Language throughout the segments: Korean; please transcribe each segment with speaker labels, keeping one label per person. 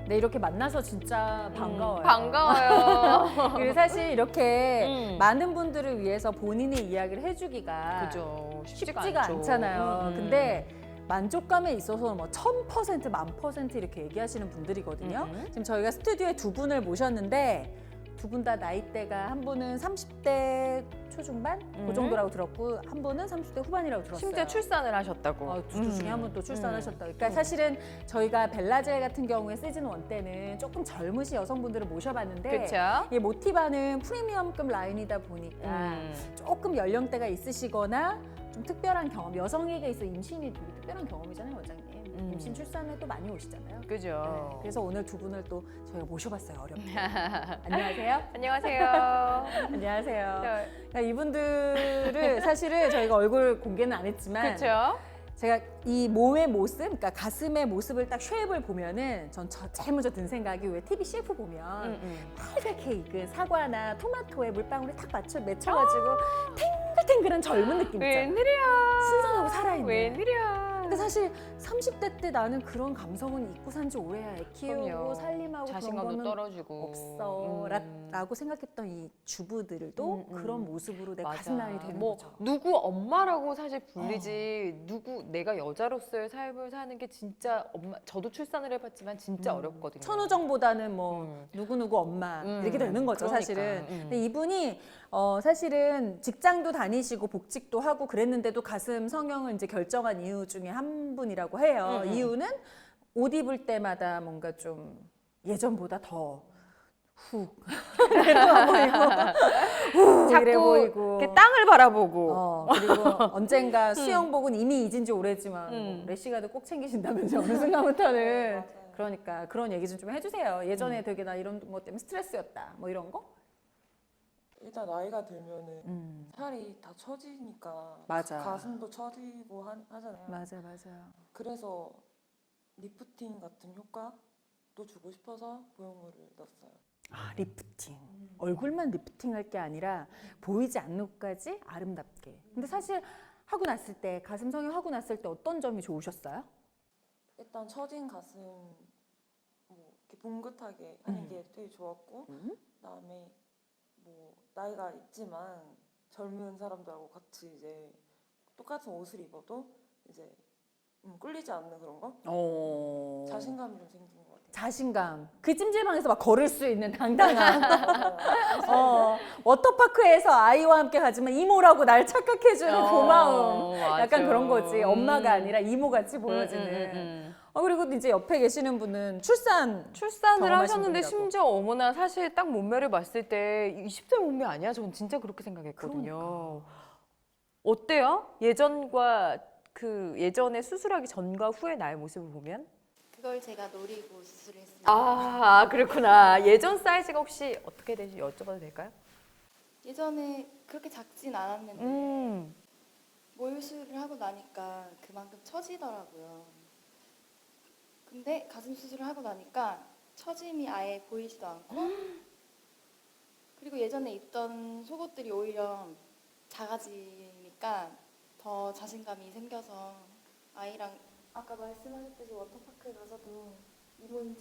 Speaker 1: 네, 이렇게 만나서 진짜 반가워요.
Speaker 2: 반가워요.
Speaker 1: 그리고 사실 이렇게 많은 분들을 위해서 본인의 이야기를 해주기가
Speaker 2: 그죠.
Speaker 1: 쉽지가
Speaker 2: 않죠.
Speaker 1: 않잖아요. 근데 만족감에 있어서 뭐 1000%, 10,000% 이렇게 얘기하시는 분들이거든요. 지금 저희가 스튜디오에 두 분을 모셨는데 두 분 다 나이대가 한 분은 30대 초중반? 그 정도라고 들었고 한 분은 30대 후반이라고 들었어요.
Speaker 2: 심지어 출산을 하셨다고.
Speaker 1: 둘 중에 한 분 또 출산하셨다. 그러니까 사실은 저희가 벨라젤 같은 경우에 시즌 1 때는 조금 젊으신 여성분들을 모셔봤는데
Speaker 2: 그렇죠.
Speaker 1: 이 모티바는 프리미엄급 라인이다 보니까 조금 연령대가 있으시거나 좀 특별한 경험, 여성에게 있어 임신이 되게 특별한 경험이잖아요, 원장님. 임신 출산에 또 많이 오시잖아요.
Speaker 2: 그죠.
Speaker 1: 네, 그래서 오늘 두 분을 또 저희가 모셔봤어요, 어렵게. 안녕하세요.
Speaker 2: 안녕하세요.
Speaker 1: 안녕하세요. 그러니까 이분들을 사실은 저희가 얼굴 공개는 안 했지만
Speaker 2: 그렇죠.
Speaker 1: 제가 이 몸의 모습, 그러니까 가슴의 모습을 딱 쉐입을 보면은 전 제일 먼저 든 생각이 왜 TV CF 보면 빨갛게 익은 사과나 토마토에 물방울이 탁 맺혀가지고 탱글탱글한 젊은 느낌 있잖아요.
Speaker 2: 웬일이야.
Speaker 1: 신선하고 살아있는.
Speaker 2: 웬일이야.
Speaker 1: 근데 사실 30대 때 나는 그런 감성은 잊고 산 지 오래야. 애 키우고
Speaker 2: 그럼요.
Speaker 1: 살림하고 그런
Speaker 2: 자신감도
Speaker 1: 거는
Speaker 2: 떨어지고.
Speaker 1: 없어 라고 생각했던 이 주부들도 그런 모습으로 내
Speaker 2: 맞아.
Speaker 1: 가슴 라인이 되는
Speaker 2: 뭐
Speaker 1: 거죠.
Speaker 2: 누구 엄마라고 사실 불리지 누구 내가 여자로서의 삶을 사는 게 진짜 엄마 저도 출산을 해봤지만 진짜 어렵거든요.
Speaker 1: 천우정보다는 뭐 누구누구 엄마 이렇게 되는 거죠.
Speaker 2: 그러니까.
Speaker 1: 사실은. 근데 이분이 사실은 직장도 다니시고 복직도 하고 그랬는데도 가슴 성형을 이제 결정한 이유 중에 한 분이라고 해요. 이유는 옷 입을 때마다 뭔가 좀 예전보다 더 훅 내려와 보이고 후 이래
Speaker 2: 자꾸
Speaker 1: 보이고
Speaker 2: 이렇게 땅을 바라보고
Speaker 1: 그리고 언젠가 수영복은 이미 잊은 지 오래지만 뭐 래시가드 꼭 챙기신다면서 어느 순간부터는 그러니까 그런 얘기 좀 해주세요. 예전에 되게 나 이런 것 때문에 스트레스였다 뭐 이런 거?
Speaker 3: 일단 나이가 들면은 살이 다 처지니까
Speaker 1: 맞아.
Speaker 3: 가슴도 처지고 하잖아요.
Speaker 1: 맞아요.
Speaker 3: 그래서 리프팅 같은 효과도 주고 싶어서 보형물을 넣었어요.
Speaker 1: 아, 리프팅. 얼굴만 리프팅할 게 아니라 보이지 않는 곳까지 아름답게. 근데 사실 하고 났을 때 가슴 성형 하고 났을 때 어떤 점이 좋으셨어요?
Speaker 3: 일단 처진 가슴 뭐 이렇게 봉긋하게 하는 게 되게 좋았고 그다음에 뭐 나이가 있지만 젊은 사람들하고 같이 이제 똑같은 옷을 입어도 이제 꿀리지 않는 그런 거? 자신감이 좀 생긴 것 같아요.
Speaker 1: 자신감. 그 찜질방에서 막 걸을 수 있는 당당함. 워터파크에서 아이와 함께 가지만 이모라고 날 착각해주는 고마움.
Speaker 2: 맞아.
Speaker 1: 약간 그런 거지. 엄마가 아니라 이모같이 보여지는. 그리고 이제 옆에 계시는 분은 출산을
Speaker 2: 출산을
Speaker 1: 경험하신
Speaker 2: 하셨는데
Speaker 1: 분이라고.
Speaker 2: 심지어 어머나 사실 딱 몸매를 봤을 때 20대 몸매 아니야? 저는 진짜 그렇게 생각했거든요.
Speaker 1: 그러니까.
Speaker 2: 어때요? 예전과 그 예전에 수술하기 전과 후의 나의 모습을 보면?
Speaker 4: 그걸 제가 노리고 수술을 했습니다.
Speaker 2: 아, 그렇구나. 예전 사이즈가 혹시 어떻게 되지 여쭤봐도 될까요?
Speaker 4: 예전에 그렇게 작진 않았는데 모유수술을 하고 나니까 그만큼 처지더라고요. 근데 가슴 수술을 하고 나니까 처짐이 아예 보이지도 않고 그리고 예전에 입던 속옷들이 오히려 작아지니까 더 자신감이 생겨서 아이랑 아까 말씀하셨듯이 워터파크에 가서도 이모인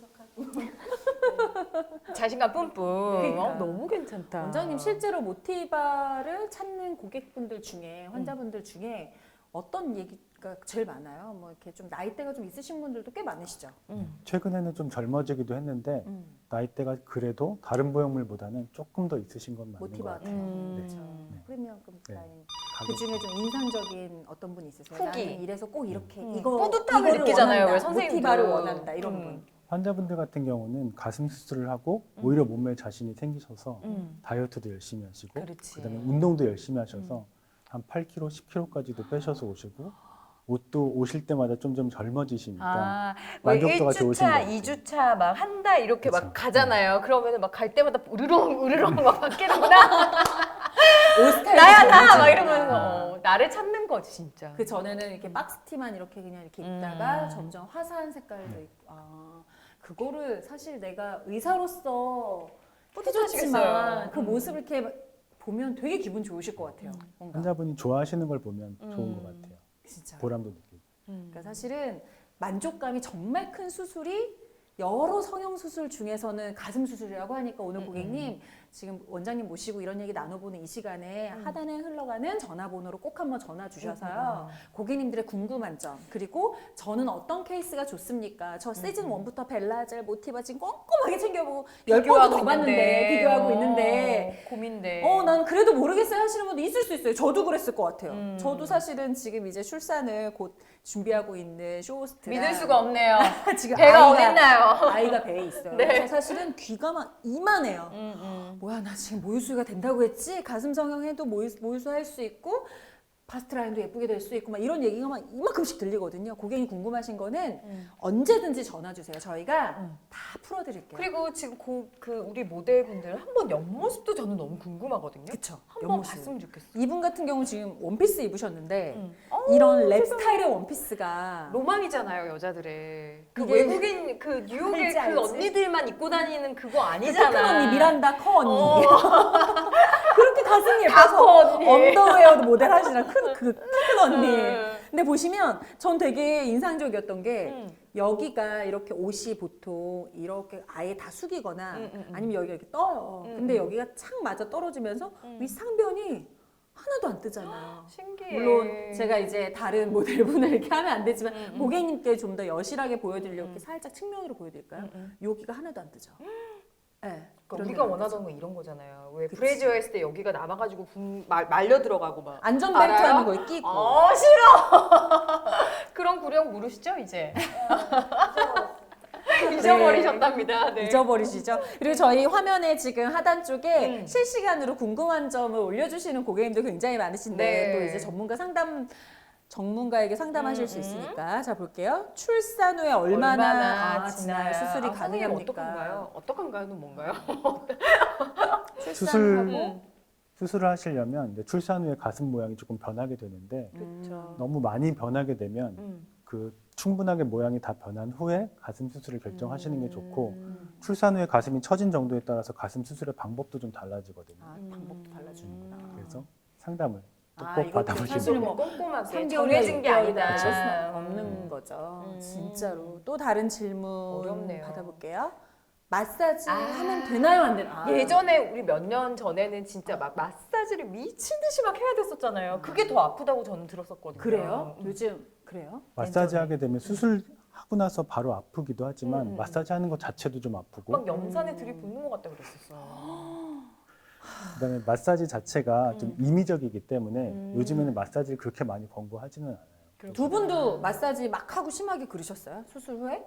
Speaker 4: 척하고
Speaker 2: 자신감 뿜뿜.
Speaker 1: 그러니까.
Speaker 2: 너무 괜찮다.
Speaker 1: 원장님 실제로 모티바를 찾는 고객분들 중에 환자분들 중에 어떤 얘기가 제일 많아요? 뭐 이렇게 좀 나이대가 좀 있으신 분들도 꽤 많으시죠?
Speaker 5: 최근에는 좀 젊어지기도 했는데 나이대가 그래도 다른 보형물보다는 조금 더 있으신 건 맞는 것
Speaker 1: 모티바
Speaker 5: 같아요.
Speaker 1: 같은
Speaker 5: 네.
Speaker 1: 그렇죠. 프리미엄급
Speaker 5: 네.
Speaker 1: 라인. 그 중에 좀 인상적인 어떤 분 있으세요?
Speaker 2: 후기.
Speaker 1: 나는 이래서 꼭 이렇게
Speaker 2: 뿌듯함을
Speaker 1: 이거를
Speaker 2: 느끼잖아요,
Speaker 1: 원한다.
Speaker 2: 왜 선생님도.
Speaker 1: 모티바를 원한다 이런 분.
Speaker 5: 환자분들 같은 경우는 가슴 수술을 하고 오히려 몸매에 자신이 생기셔서 다이어트도 열심히 하시고
Speaker 2: 그렇지.
Speaker 5: 그다음에 운동도 열심히 하셔서 한 8kg, 10kg까지도 빼셔서 오시고 옷도 오실 때마다 점점 젊어지시니까
Speaker 2: 뭐
Speaker 5: 만족도가 좋으신 것
Speaker 2: 1주차,
Speaker 5: 같아요.
Speaker 2: 2주차 막 한 달 이렇게 막
Speaker 5: 그쵸.
Speaker 2: 가잖아요. 그러면은 막 갈 때마다 으르렁 막 바뀌는구나.
Speaker 1: 옷 스타일이
Speaker 2: 나야 나! 막
Speaker 1: 정해지니까.
Speaker 2: 이러면서 나를 찾는 거지 진짜.
Speaker 1: 그 전에는 이렇게 박스티만 이렇게 그냥 이렇게 입다가 점점 화사한 색깔도 있고 그거를 사실 내가 의사로서
Speaker 2: 뿌듯하시겠어요.
Speaker 1: 해줬지만 그 모습을 이렇게 보면 되게 기분 좋으실 것 같아요. 뭔가
Speaker 5: 환자분이 좋아하시는 걸 보면 좋은 것 같아요.
Speaker 1: 진짜.
Speaker 5: 보람도 느끼고.
Speaker 1: 그러니까 사실은 만족감이 정말 큰 수술이 여러 성형수술 중에서는 가슴 수술이라고 하니까 오늘 고객님 지금 원장님 모시고 이런 얘기 나눠보는 이 시간에 하단에 흘러가는 전화번호로 꼭 한번 전화 주셔서요. 고객님들의 궁금한 점, 그리고 저는 어떤 케이스가 좋습니까? 저 시즌 1부터 벨라젤, 모티바 지금 꼼꼼하게 챙겨보고 10번도 더 봤는데 비교하고 있는데
Speaker 2: 고민돼.
Speaker 1: 난 그래도 모르겠어요 하시는 분도 있을 수 있어요. 저도 그랬을 것 같아요. 저도 사실은 지금 이제 출산을 곧 준비하고 있는 쇼호스트라
Speaker 2: 믿을 수가 없네요.
Speaker 1: 지금
Speaker 2: 배가 어딨나요?
Speaker 1: 아이가 배에 있어요.
Speaker 2: 네.
Speaker 1: 그래서 사실은 귀가 막 이만해요. 뭐야 나 지금 모유수유가 된다고 했지? 가슴 성형해도 모유수 할 수 있고 바스트라인도 예쁘게 될 수 있고 막 이런 얘기가 막 이만큼씩 들리거든요. 고객님 궁금하신 거는 언제든지 전화 주세요. 저희가 다 풀어드릴게요.
Speaker 2: 그리고 지금 그 우리 모델분들 한번 옆모습도 저는 너무 궁금하거든요.
Speaker 1: 그쵸.
Speaker 2: 한번
Speaker 1: 옆모습.
Speaker 2: 봤으면 좋겠어.
Speaker 1: 이분 같은 경우 지금 원피스 입으셨는데 이런 랩 스타일의 원피스가
Speaker 2: 로망이잖아요, 여자들의. 그
Speaker 1: 이게-
Speaker 2: 외국인 그 뉴욕의
Speaker 1: 알지,
Speaker 2: 그
Speaker 1: 알지.
Speaker 2: 언니들만 입고 다니는 그거
Speaker 1: 큰
Speaker 2: 아니잖아.
Speaker 1: 언니 미란다 커 언니 그렇게 가슴이 예뻐서
Speaker 2: 다커 언니.
Speaker 1: 언더웨어도 모델 하시는 큰 언니.
Speaker 2: 음.
Speaker 1: 근데 보시면 전 되게 인상적이었던 게
Speaker 2: 음.
Speaker 1: 여기가 이렇게 옷이 보통 이렇게 아예 다 숙이거나 아니면 여기가 이렇게 떠요.
Speaker 2: 음,
Speaker 1: 근데 여기가 착 맞아 떨어지면서 위 상변이 하나도 안 뜨잖아요.
Speaker 2: 신기해.
Speaker 1: 물론 제가 이제 다른 모델분을 이렇게 하면 안 되지만
Speaker 2: 음.
Speaker 1: 고객님께 좀 더 여실하게 보여드리려고 이렇게 살짝 측면으로 보여드릴까요?
Speaker 2: 음.
Speaker 1: 여기가 하나도 안 뜨죠. 네,
Speaker 2: 그러니까
Speaker 1: 그런
Speaker 2: 우리가
Speaker 1: 데가 안 뜨죠.
Speaker 2: 원하던 건 이런 거잖아요. 왜
Speaker 1: 그치.
Speaker 2: 브래지어 했을 때 여기가 남아가지고 말려 들어가고 막.
Speaker 1: 안전벨트
Speaker 2: 알아요?
Speaker 1: 하는 거에 끼고
Speaker 2: 싫어. 그런 구령 모르시죠 이제? 잊어버리셨답니다. 네.
Speaker 1: 잊어버리시죠. 그리고 저희 화면에 지금 하단 쪽에 실시간으로 궁금한 점을 올려주시는 고객님들 굉장히 많으신데
Speaker 2: 네.
Speaker 1: 또 이제 전문가에게 상담하실 수 있으니까 자 볼게요. 출산 후에 얼마나 지나야 수술이 가능합니까?
Speaker 2: 어떡한가요? 어떡한가요는 뭔가요?
Speaker 1: 출산하고
Speaker 5: 수술을 하시려면 이제 출산 후에 가슴 모양이 조금 변하게 되는데
Speaker 2: 그렇죠.
Speaker 5: 너무 많이 변하게 되면 그 충분하게 모양이 다 변한 후에 가슴 수술을 결정하시는 게 좋고 출산 후에 가슴이 처진 정도에 따라서 가슴 수술의 방법도 좀 달라지거든요.
Speaker 1: 방법도 달라지는구나.
Speaker 5: 그래서 상담을 또
Speaker 1: 아,
Speaker 5: 꼭
Speaker 1: 이것도
Speaker 5: 받아보시면
Speaker 1: 사실은 뭐
Speaker 2: 꼼꼼하게
Speaker 1: 3개월에
Speaker 2: 정해진 게 아니다.
Speaker 1: 그럴 수는 없는 거죠. 진짜로. 또 다른 질문
Speaker 2: 어렵네요.
Speaker 1: 받아볼게요. 마사지 하면 되나요, 안 되나요?
Speaker 2: 예전에 우리 몇 년 전에는 진짜 막 마사지를 미친 듯이 막 해야 됐었잖아요. 그게 더 아프다고 저는 들었었거든요.
Speaker 1: 그래요? 요즘 그래요?
Speaker 5: 마사지 하게 되면 수술하고 나서 바로 아프기도 하지만 마사지 하는 것 자체도 좀 아프고
Speaker 2: 막 염산에 들이붓는 것 같다 그랬었어요.
Speaker 5: 그다음에 마사지 자체가 좀 임의적이기 때문에 요즘에는 마사지를 그렇게 많이 권고하지는 않아요.
Speaker 1: 두 분도 마사지 막 하고 심하게 그러셨어요? 수술 후에?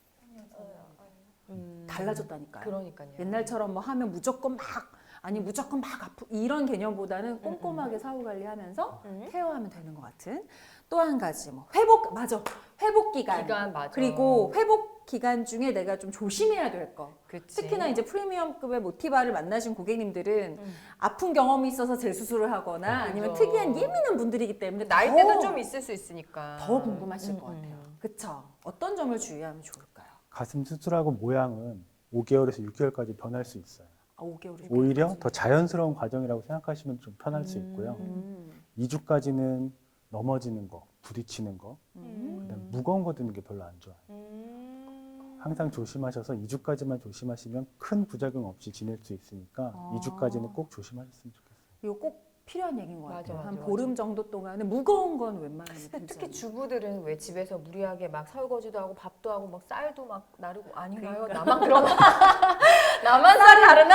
Speaker 1: 달라졌다니까요.
Speaker 2: 그러니까요.
Speaker 1: 옛날처럼 뭐 하면 무조건 막 아프 이런 개념보다는 꼼꼼하게 사후 관리하면서 케어하면 되는 것 같은 또 한 가지 뭐 회복 기간
Speaker 2: 맞아.
Speaker 1: 그리고 회복 기간 중에 내가 좀 조심해야 될 거.
Speaker 2: 그치.
Speaker 1: 특히나 이제 프리미엄급의 모티바를 만나신 고객님들은 아픈 경험이 있어서 재수술을 하거나 아니면
Speaker 2: 그죠.
Speaker 1: 특이한 예민한 분들이기 때문에
Speaker 2: 나이대도 좀 있을 수 있으니까.
Speaker 1: 더 궁금하실 것 같아요. 그쵸? 어떤 점을 주의하면 좋을까요?
Speaker 5: 가슴 수술하고 모양은 5개월에서 6개월까지 변할 수 있어요.
Speaker 1: 5개월이
Speaker 5: 오히려 더 자연스러운 과정이라고 생각하시면 좀 편할 수 있고요. 2주까지는 넘어지는 거, 부딪히는 거, 그다음에 무거운 거 드는 게 별로 안 좋아요. 항상 조심하셔서 2주까지만 조심하시면 큰 부작용 없이 지낼 수 있으니까 2주까지는 꼭 조심하셨으면 좋겠어요.
Speaker 1: 이거 꼭 필요한 얘기인 것 같아요.
Speaker 2: 맞아,
Speaker 1: 한
Speaker 2: 맞아,
Speaker 1: 보름 정도 동안은 무거운 건 웬만하면
Speaker 2: 특히
Speaker 1: 괜찮아요.
Speaker 2: 주부들은 왜 집에서 무리하게 막 설거지도 하고 밥도 하고 막 쌀도 막 나르고 아닌가요?
Speaker 1: 그러니까.
Speaker 2: 나만 그러나? 나만 쌀 다르나?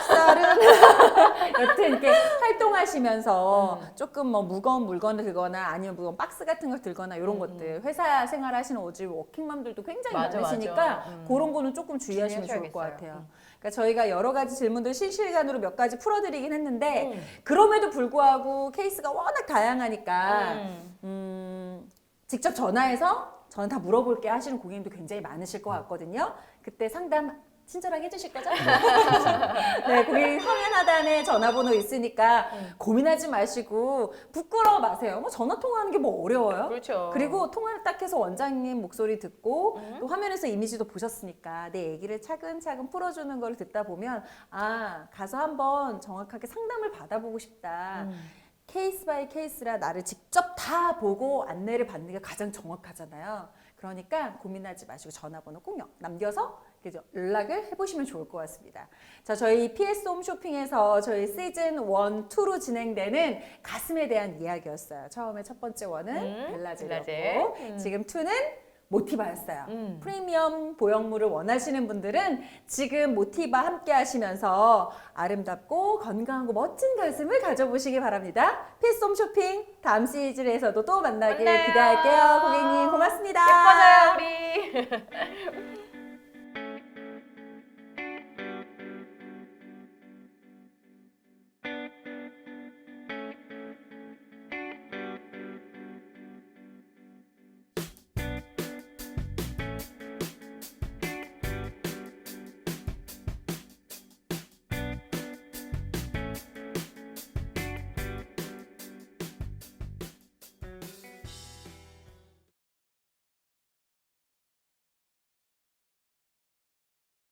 Speaker 1: 여튼 이렇게 활동하시면서 조금 뭐 무거운 물건을 들거나 아니면 무거운 박스 같은 걸 들거나 이런 것들 회사 생활하시는 오지 워킹맘들도 굉장히
Speaker 2: 맞아,
Speaker 1: 많으시니까
Speaker 2: 맞아.
Speaker 1: 그런 거는 조금 주의하시면 좋을 것
Speaker 2: 주의하셔야겠어요.
Speaker 1: 같아요. 그러니까 저희가 여러 가지 질문들 실시간으로 몇 가지 풀어드리긴 했는데 그럼에도 불구하고 케이스가 워낙 다양하니까 직접 전화해서 저는 다 물어볼게 하시는 고객님도 굉장히 많으실 것 같거든요. 그때 상담 친절하게 해주실 거죠? 네, 고객님 화면 하단에 전화번호 있으니까 고민하지 마시고 부끄러워 마세요. 뭐 전화 통화하는 게 뭐 어려워요?
Speaker 2: 그렇죠.
Speaker 1: 그리고 통화를 딱 해서 원장님 목소리 듣고 또 화면에서 이미지도 보셨으니까 내 얘기를 차근차근 풀어주는 걸 듣다 보면 아 가서 한번 정확하게 상담을 받아보고 싶다. 케이스 바이 케이스라 나를 직접 다 보고 안내를 받는 게 가장 정확하잖아요. 그러니까 고민하지 마시고 전화번호 꼭 남겨서 연락을 해보시면 좋을 것 같습니다. 자, 저희 PS 홈쇼핑에서 저희 시즌 1, 2로 진행되는 가슴에 대한 이야기였어요. 처음에 첫 번째 원은 벨라젤이었고
Speaker 2: 벨라젤.
Speaker 1: 지금 2는 모티바였어요. 프리미엄 보형물을 원하시는 분들은 지금 모티바 함께 하시면서 아름답고 건강하고 멋진 가슴을 가져보시기 바랍니다. PS 홈쇼핑 다음 시즌에서도 또 만나길
Speaker 2: 만나요.
Speaker 1: 기대할게요. 고객님 고맙습니다.
Speaker 2: 예뻐져요 우리.